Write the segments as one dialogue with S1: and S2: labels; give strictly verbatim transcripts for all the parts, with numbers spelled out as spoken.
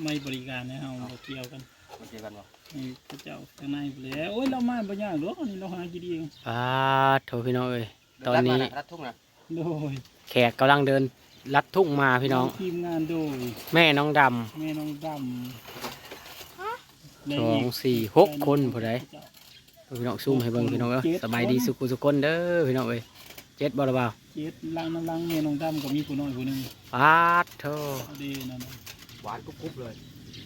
S1: ไม่บริการนะเฮาบ่เกี่ยวกัน
S2: บ่เกี่ยวกันบ่
S1: นี่พระเจ้าข้างในแล้วโอ้ยเรามาบ่ยากหรอกนี่เราหากินเอง
S3: อ่าโถพี่น้องเอ้ยตอนนี้
S2: รัดทุ่งนะ
S1: โดย
S3: แขกกำลังเดินลัดทุ่งมาพี่น้อง
S1: ทีมงานโดย
S3: แม่น้องด
S1: ำแม่น้องด
S3: ำสองสี่หกคนผู้ใดพี่น้องซูมให้เบิ่งพี่น้องเอ้ยสบายดีสุขุสุขคนเด้อพี่น้องเอ้ยเจ็ดบ่ละบ่าว
S1: เจ็ดลังน้ำลังแม่น้องดำก็มีผู้น้อยผู้นึง
S3: ปาดโถ
S1: ดีนั่น
S2: หวานกุ๊บๆเลย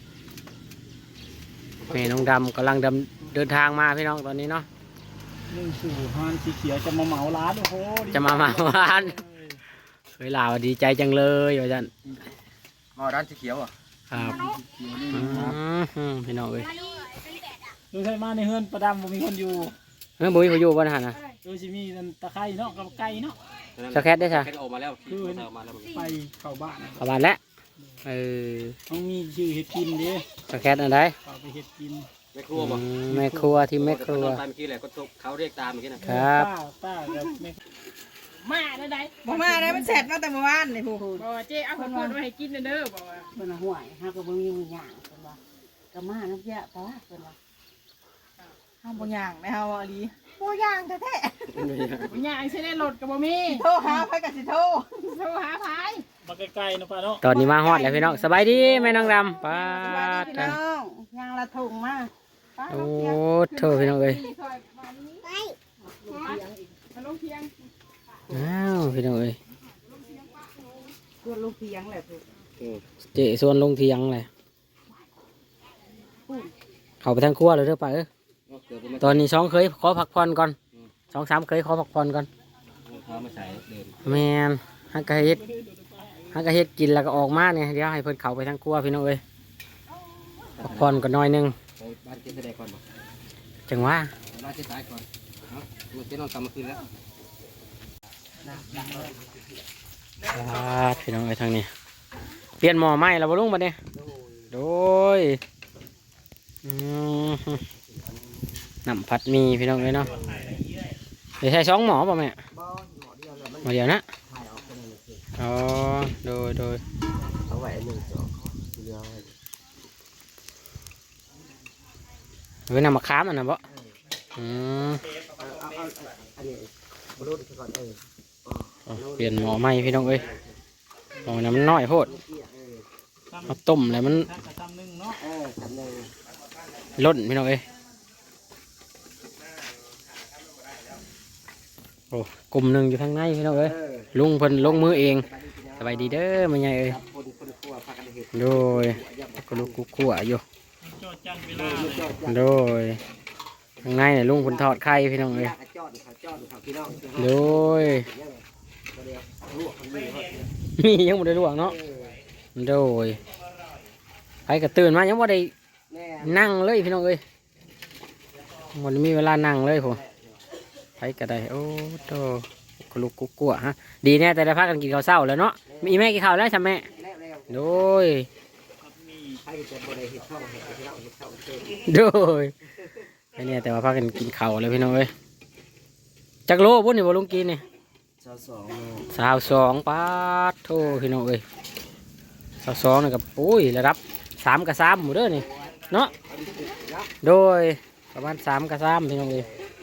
S3: แม่น้องดำกำลังดำเดินทางมาพี่น้องตอนนี้เนาะ
S1: นึ่งสู่ฮานสีเขียวจะมาเหมาร้านโอ้โห
S3: จะมาเหมาร้านเฮ้ยลาวดีใจจังเลยว่าจัน
S2: มาร้านสีเขียวอ่ะ
S3: ครับพี่น้องเอ้ย
S1: ดูใช่มาในเฮือนประดำบ่มีคนอยู่
S3: เฮ้ยบุ้ยเขาอยู่บ้านหันนะ
S1: ดูสิมีตะไคร้เนาะกับไก่เนาะ
S3: สแคทได้ใช่
S2: ออกมาแล้ว
S1: คือไปเข้าบ้าน
S3: เข้าบ้านแล้วเออ
S1: ต้องมีชื่อเห็ดกินดิ
S3: สแคทอะไร
S1: เข้าไปเห็ดกิน
S2: แม่ครัวบ่
S3: แม่ครัวที่แม่ครัว
S2: ตามเมื่อกี้แหละก็เขาเรียกตามเมื่อกี้
S3: นะครับ
S1: ป้าป้ากับแม่มาได้ได้
S4: บ่มาได้มันเสร็จมาแต่เมื่อวานนี่ผู้
S5: บ่เจ๊เอาข้าวโพดมาให้กินเด้อบ่ว่า
S4: เพิ่นห่วยเฮาก็บ่มีหยังเพิ่นว่าก็มาน้ำยะตาเพิ่นว่าเฮาบ่ย่างนะเฮาว่าอีหลีบ่ย่างแท้
S5: ๆบ่ย่างสิได้รถก็บ่มี
S4: โทรหาไผก็สิโทร
S5: โทรหาไผ
S1: มาใกล้ๆนะป้าเนาะ
S3: ตอนนี้มาฮอดแล้วพี่น้องสบายดีแม่น้องดำป้า
S4: พี่น้องย่างละถุงมา
S3: โอ้เธอพี่น้องเอ้ย
S5: มาลงเพียง
S3: อ้าวพี่น้องเอ้ย
S4: ส่วนลูกเพียงแหละผู้
S3: เจส่วนลงเทียงเลยเข้าไปทางครัวเลยเด้อป้าเอ้ยตอนนี้สองเคยขอพักผ่อนก่อนสองสามเคยขอพักผ่อนก่อนแมนฮักกะเฮ็ดฮักกะเฮ็ดกินแล้วก็ออกมาเนี่ยเดี๋ยวให้เพิ่นเข้าไปทางครัวพี่น้องเอ้ยพักผ่อนก็น้อยนึง
S2: บ้านเจ๊แสดงก่อนบ่
S3: จังว่า
S2: บ้านเจ๊สายก่อนเนาะเจ๊นอนกลับมาคืนแล้ว
S3: พี่น้องเอ้ยทางนี้เปลี่ยนหม้อไหม้แล้วบ่ลุงบัดนี้โดยน้ำผัดมีพี่น้องเลยเนาะเดี๋ยวใช้สองหม้อป่ะแม่หม้อเดียวนะอ๋อโดยโดย
S2: เอาไว้หนึ่งจอกเดียว
S3: เว้ยน้ำมะขามอันนั้นบ่อืมเปลี่ยนหม้อใหม่พี่น้องเอ้ยหม้อน้ำมันน้อยโพดเอาต้มแล้วมันล้นพี่น้องเอ้ยโอ้กลุ่มหนึ่งอยู่ข้างในพี่น้องเอ้ยลุงเพิ่นลงมือเองสบายดีเด้อมันใหญ่เอ้ยโดยก็ลูกกุ๊กขั่วอยู่โดยข้างในเนี่ยลุงเพิ่นทอดไข่พี่น้องเอ้ยโดยมียังไม่ได้ลวกเนาะโดยไปกระตื่นมายังว่าได้นั่งเลยพี่น้องเอ้ยวันนี้มีเวลานั่งเลยผมไปกระไดโอ้โตกลุกกุ๊กกัวฮะดีแน่แต่ได้พักกันกินข้าวเช้าแล้วเนาะมีแม่กินข้าวแล้วใช่ไหมโดยโดยไอ้เนี่ยแต่ว่าพักกันกินข้าวแล้วพี่น้องเอ้ยจักโลบุญนี่บ่ลุงกินนี่
S2: สาวสอง
S3: สาวสองปาดโทพี่น้องเอ้ยสาวสองนี่กับปุ้ยระดับสามกับสามหมดเด้อนี่เนาะโดยประมาณสามกับสามพี่น้องเอ้ย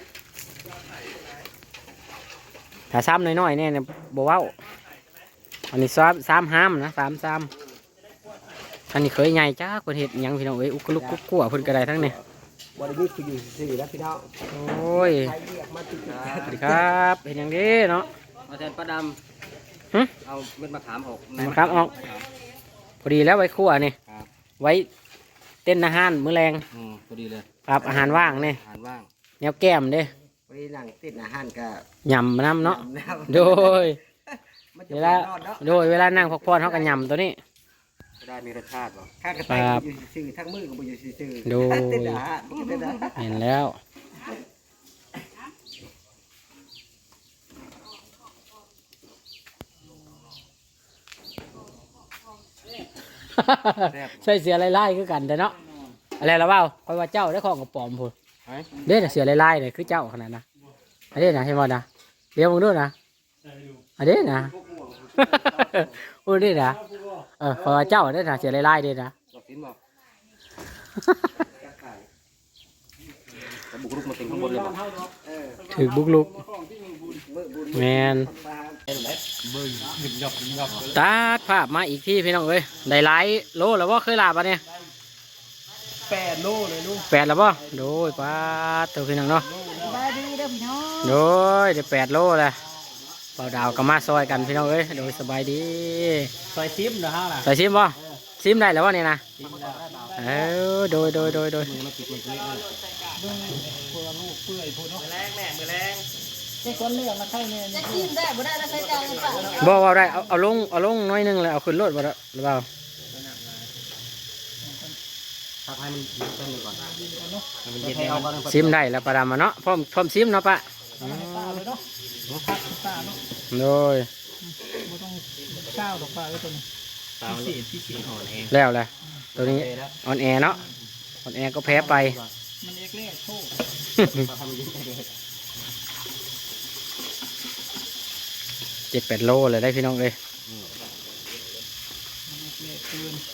S3: ถ้าซ้ำน้อยๆเนี่ยเนี่ยบอกว่าอันนี้ซ้ำซ้ำห้ามนะซ้ำซ้ำอันนี้เคยใหญ่จ้าคนเห็ดยังพี่น้องเอ้ยอุกลุกกุ๊กกัวคนกระไดทั้งนี้
S2: บริบูรณ์คืออยู่สี่แล้วพี่น้อง
S3: โอ้ยสวัสดีครับเห็นอย่างนี้เนาะ
S2: มาแทนป้าดำเอาเม็ดมะขามออก
S3: มะขามออกพอดีแล้วไว้คั่วนี่ไว้เต้นอาหารมื้อแรง
S2: พอดีเลย
S3: ครับอาหารว่างนี่
S2: อาหารว่าง
S3: แนวแก้มเด้
S2: พอดีหลังติดอาหารก็
S3: ยำน้ำเนาะโดยเวลาโดยเวลานั่งพักผ่อนเขาก็ยำตัวนี้
S2: ได้มีรสชาติบ่ข้ากระต่ายอยู่ซื่อทั้งมือก็อยู่ซื่อ
S3: โดยเห็นแล้วใช่เสียไล่ๆคือกันแต่เนาะอะไรละเปล่าคอยว่าเจ้าได้ของกับปอมพูดเด้อเสียไล่ๆเลยคือเจ้าขนาดนะอันนี้นะเห็นบ่นะเดี๋ยวมึงดูนะอันนี้นะโอ้นี่นะเออคอยว่าเจ้าได้นะเสียไล่ๆเด้นะ
S2: ฝีห็นบ่แต่บุกรุกมาถึงข้างบนเลยบ่เออ
S3: ถือบุกลุก
S2: มือบุญ
S3: แมนตัดภาพมาอีกที่พี่น้องเอ้ยได้หลายโลแล้วว่าเคยลาบอ่ะเนี่ย
S1: แปดโลเลยลูก
S3: แปดแล้วป่ะโดยป้าดเตัวพี่น้องเนาะ
S4: สบายดีเด้อพี่น้อง
S3: โดยเดี๋ยวแปดโลเลยเบาดาวก็มาซอยกันพี่น้องเอ้ยโดยสบายดี
S1: ซอยซิมนะฮะล่ะ
S3: ใส่ซิมป่ะซิมได้แล้ววะเนี่ยนะเออโดยโดยโดยโดย
S1: เบิ่งพวกลูกเปื่อยพุ่นเนาะแรงแม่มือแรงเจ๊คนเลือกมาใช่เนี่ย
S4: จะกินได้บ่ได้แล้วใช้จ่ายกันเปล่าเนาะ
S3: บอกว่าได้เอาเอาลงเอาลงน้อยหนึงเลยเอาขึ้นรถบ่ได้หรือเปล่า
S2: ถ้าให้มันต้นก่อนมันเย็นเอาก่อน
S3: ซิมได้แล้วประดามาเนาะพร้อมพร้อมซิมเนาะปะ
S1: ตาเลยเนาะพักตาเนาะ
S3: โดย
S1: บ่ต้องเช้าดอกปลาไว้ตัวนี้พิเศษพิเศษห่อแห้ง
S3: แล้วแหละตัวนี้ออนแอร์เนาะออนแอร์ก็แพ้ไป
S1: มันเอกเล่โชค
S3: เจ็ดแปดโลเลยได้พี่น้องเลย
S1: เละคืน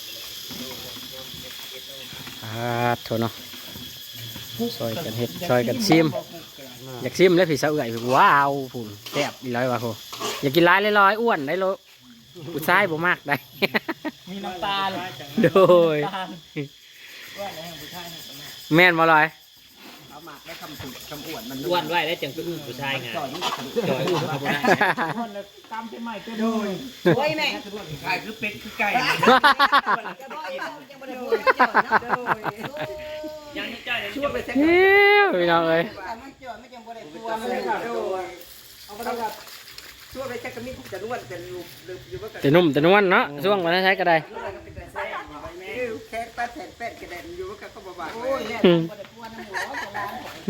S3: อ่าโถเนาะซอยกันเห็ดซอยกันซิมอยากซิมแล้วพี่สาวเอื่อยพี่ว้าวผุนแซ่บอีร้อยว่ะโหอยากกินร้ายลอยๆอ้วนได้โลผู้ชายบ่มากได้
S1: มีน้ำตาล
S3: โดย
S1: น้ำตาลว่าอะไรของผู้ชายเนี่ย
S3: แม่นบ่ลอย
S2: เอาหมากได้คำถูกคำอวดมัน
S6: อ้วนไว้ได้จังเป็นผู้ชายไง
S2: จ่อย
S6: จอยอ้วนเขาบ่ได้
S1: คนละตามเป็นใหม่เป็นเลย
S4: โอ้ยแม่
S2: ไก่คือเป็ดคือไก่
S4: จะบ่อยต้องจะบ่ได้พูดเจ้าเนาะโดย
S6: ยังไม่จ่ายเลย
S2: ชั่วไปแท้
S3: เฮ้ยพี่น้องเอ้ย
S4: แต่มันจ่อยไม่จังบ่ได้ตัว
S2: ชั่ว
S4: มัน
S2: ไป
S4: เลย
S2: แท้โดยเอาไปแล้วชั่วไปแท้ก็มีผู้จะนวดจะลูกอยู่ว่ากัน
S3: แต่นุ่มแต่นวลเนาะช่วงวันใช้ก็ได้
S2: แค่ป้าแผ่นแป้นกระเด็นอยู่ว่าก็บ่บาด
S4: โอ้ยแล้วบ่ได้กวนน้ำหัวของร้าน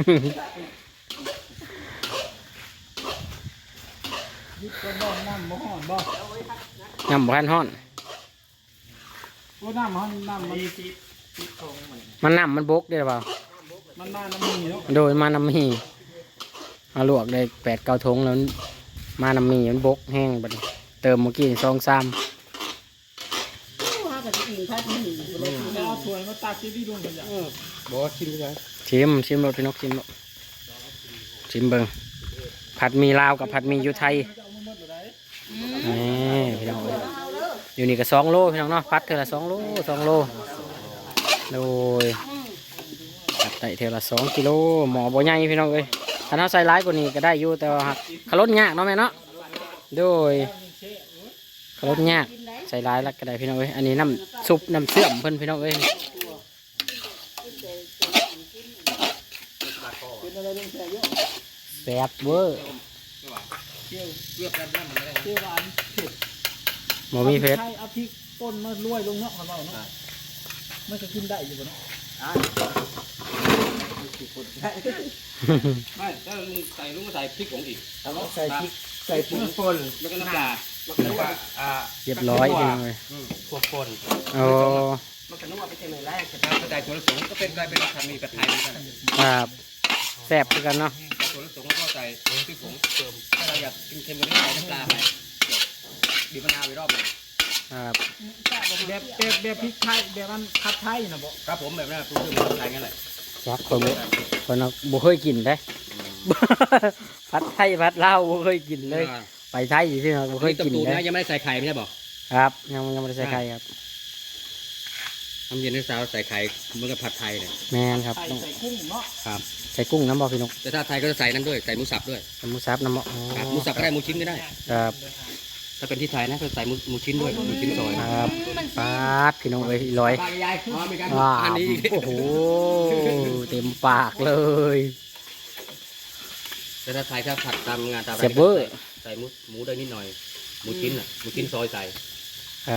S1: ยึดตัวบ่อน้ำบ่ห่อนบ่
S3: ยำบ้านฮ้อน
S1: ตัวน้ำห่อนน้ำมัน
S3: มันน้ำมันบกได้หรือเปล่า
S1: มันมาน้ำมีเนาะ
S3: โดยมาน้ำมีมาลวกได้แปดเก้าทงแล้วมาน้ำมีมันบกแห้งบัดนี้เติมเมื่อกี้ซองซ้
S4: ว่าก็สิกินพัดนี่บ่ได้กิน
S1: แล้วเอาถ้วยมาตักที่พี่ลุงกันอย่าง
S2: บ่ชิมเลย
S3: ำชิมชิมรสพี่นกชิมรสชิมเบิงผัดหมีลาวกับผัดหมีอยู่ไทยนี่พี่น้องเอ้ยอยู่นี่ก็สองโลพี่น้องเนาะพัดเท่าละสองโลสองโลโดยผัดไต่เท่าละสองกิโลหมอบ่ใหญ่พี่น้องเอ้ยถ้าเราใส่ร้ายกว่านี้ก็ได้อยู่แต่ว่าขลดยากเนาะแม่เนาะโดยขลดยากใส่ร้ายแล้วก็ได้พี่น้องเอ้ยอันนี้น้ำซุปน้ำเชื่อมเพิ่นพี่น้องเอ้ยแซ่บเวอร์
S1: เที่ยวเที่ยวหวานเผ็ด
S3: หมอมีเพชร
S1: ใช่เอาพริกป่นมาลวยลงเนาะเขาบอกเนาะมันจะกินได้อยู่บ่เนาะ
S6: ไม่ถ้าลุงใส่ลุงก็ใส่พริกผงอีก
S2: ใส่พริกใส่ปุ๋ยป่น
S6: แล้วก็น้ำปลา
S2: แล้วก็อ่า
S3: เรียบร้อยพี่น้องเอ้ย
S6: พวกป่น
S3: โอ้
S2: มันก็นึกว่าไปเจอแรก
S6: ถ้าใส่ถั่วลิสงก็เป็นกลายเป็นทำมีกระไทยเหมือนกัน
S3: ครับแซ่บคือกันเนาะ
S6: ถั่วลิสงก็ใส่พริกผงเติมถ้าเราอยากกินเค็มกว่านี้ใส่น้ำปลาไปบีบมะนาวไปรอบนึง
S3: ครับ
S1: แบบแบบแบบพริกไทยแบบมันผัดไทยนะบ่
S6: ครับผมแบบนั้นปรุงเครื่องมือไทยงั้นแหละ
S3: ครับคนบ่คนเอาบ่เคยกินได้ ผัดไทยผัดลาวบ่เคยกินเลย ไปไทยที่เนาะบ่เคยกิน
S6: ตู
S3: เลย
S6: นะยังไม่ได้ใส่ไข่ไม่ใช่บอก
S3: ครับยังยังไม่ได้ใส่ไข่ครับ
S6: น้ำเย็นน้ำสาวใส่ไข่เหมือนกับผัดไทยเนี่ย
S3: แมนครับ
S1: ไข่
S3: ต้อง
S1: ใส่กุ้งเนาะ
S6: ครับ
S3: ใส่กุ้งน้ำบ่พี่นก
S6: แต่ถ้าไทยก็จะใส่นั่นด้วยใส่หมูสับด้วย
S3: ใส่หมูสับน้ำบ่อ๋อ
S6: ครับหมูสับก็ได้หมูชิ้นก็ได้
S3: ครับ
S6: ถ้าเป็นที่ไทยนะก็ใส่หมูหมูชิ้นด้วยหมูชิ้นซอย
S3: ครับปาดพี่น้องเอ้ยร้อย
S6: ปลาใหญ่ๆอ๋อมีการ
S3: ว้า
S6: อันนี้
S3: โอ้โหเต็มปากเลย
S6: แต่ถ้าไทยถ้าผัดตามงานตาม
S3: เสียบเวอร์
S6: ใส่หมูหมูได้นิดหน่อยหมูชิ้นอ่ะหมูชิ้นซอยใส่
S3: ครับ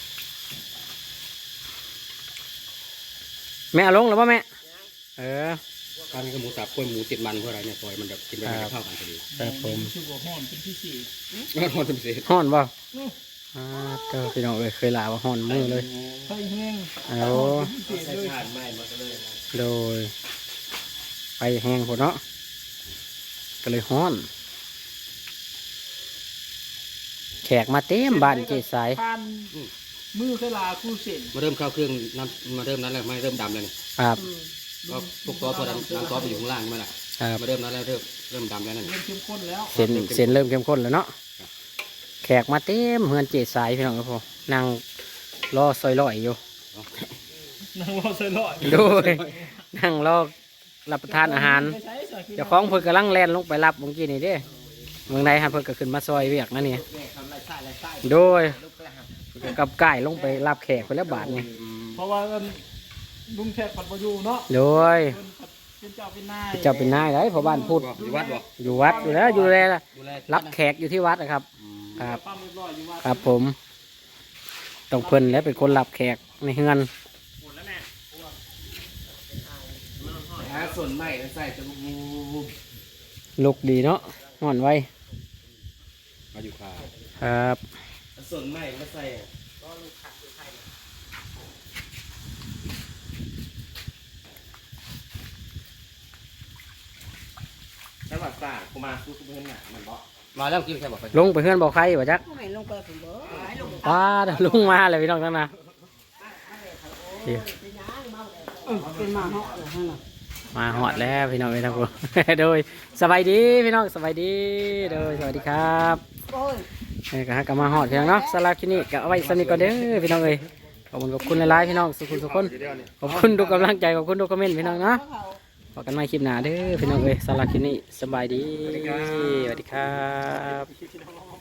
S3: แม่เอาลงแล้วป่ะแม่เออ
S6: ตอนนี้ก็หมูสับกล้วยหมูติดมันเพราะอะไรเนี่ยซอยมันแบบกินไปมันจะเข้ากันพอดี
S3: ครับผม
S1: ชื่อว่าห่อนเป็นพิเศษ
S6: แล้วทอดเป็นเศษ
S3: ฮ้อนบ่อ่าเจ้าพี่น้องเอ้ยเคยลาว่าฮ้อนมือเลย
S1: ไข่แห้ง
S3: เอา
S1: พิเศษเลย
S3: โดยไปแห้งพอเนาะก็เลยฮ้อน แขกมาเต็มบ้านเจสาย
S1: ผ่านมือเคยลาคู่เส้น
S6: มาเริ่มเข้าเครื่องน้ำมาเริ่มนั้นแล้วไม่เริ่มดำแล้วนี่
S3: ครับ
S6: ก็พวกซอสพวกน้ำน้ำซอสไปอยู่ข้างล่างใช่ไหมล่ะ
S3: ครับ
S6: มาเริ่มนั้นแล้วเริ่มเริ่มดำแล้วนั่น
S1: เริ่มเข้มข้นแล้ว
S3: เส้นเส้นเริ่มเข้มข้นแล้วเนาะแขกมาเต็มเฮือนเจสายพี่น้องครับผมนั่งรอซอยลอยอยู่
S1: นั่งรอเซอร์ลอย
S3: โดยนั่งรอรับประทานอาหารเจ้าของเพิ่นกำลังแล่นลงไปรับเมื่อกี้นี่เด้เมืองใดฮะเพิ่นก็ขึ้นมาซอยเวียกนั่นนี่โดยกับไก่ลงไปรับแขกไปแล้วบาทนี่
S1: เพราะว่าลุงแขกปัดประยูเนาะ
S3: โดย
S1: เป็นเจ้าเป็นนาย
S3: เจ้าเป็นนายได้พอบ้านพูด
S6: อยู่วัดบ่
S3: อยู่วัดอยู่แล้วอยู่แล
S6: ดูแล
S3: รับแขกอยู่ที่วัดนะครับ ครับ
S1: ปั้มเรียบร้อยอยู่ว่า
S3: ครับผมต้องเพิ่นและเป็นคนรับแขกในเฮือน
S2: หาส่วนใหม่ใส่จะบู
S3: ลุกดีเนาะห่อนไว
S6: มาอยู่ขา
S3: ครับ
S2: ส่วนใหม่มาใส่
S1: ใช่ป่ะซ่ากูมาสู้กูเพื่อนหนามันบ่
S6: มาแล้วกินแค่บอกไป
S3: ลงไปเฮือนบอกใครบ่จัก
S4: ไม่ลงไปผมบ่ให้ลง
S3: ป้าเดี๋ยวลุงมาเลยพี่น้องทั้งนั้นเดี๋ยว
S4: เป็นหมาเหาะเหรอฮะน่ะ
S3: มาหอดแล้วพี่น้องพี่น้องโดยสบายดีพี่น้องสบายดีโดยสวัสดีครับ
S4: โอ้ย
S3: นี่ก็ฮักกมาหอดพี่น้องเนาะสลาที่นี่ก็เอาไว้สนิทก่อนเด้อพี่น้องเอ้ยขอบคุณขอบคุณหลายๆพี่น้องสุขุมสุขคนขอบคุณทุกกำลังใจขอบคุณทุกคอมเมนต์พี่น้องเนาะพบกันใหม่คลิปหน้าเด้อพี่น้องเอ้ยสลาที่นี่สบายดีสวัสดีครับ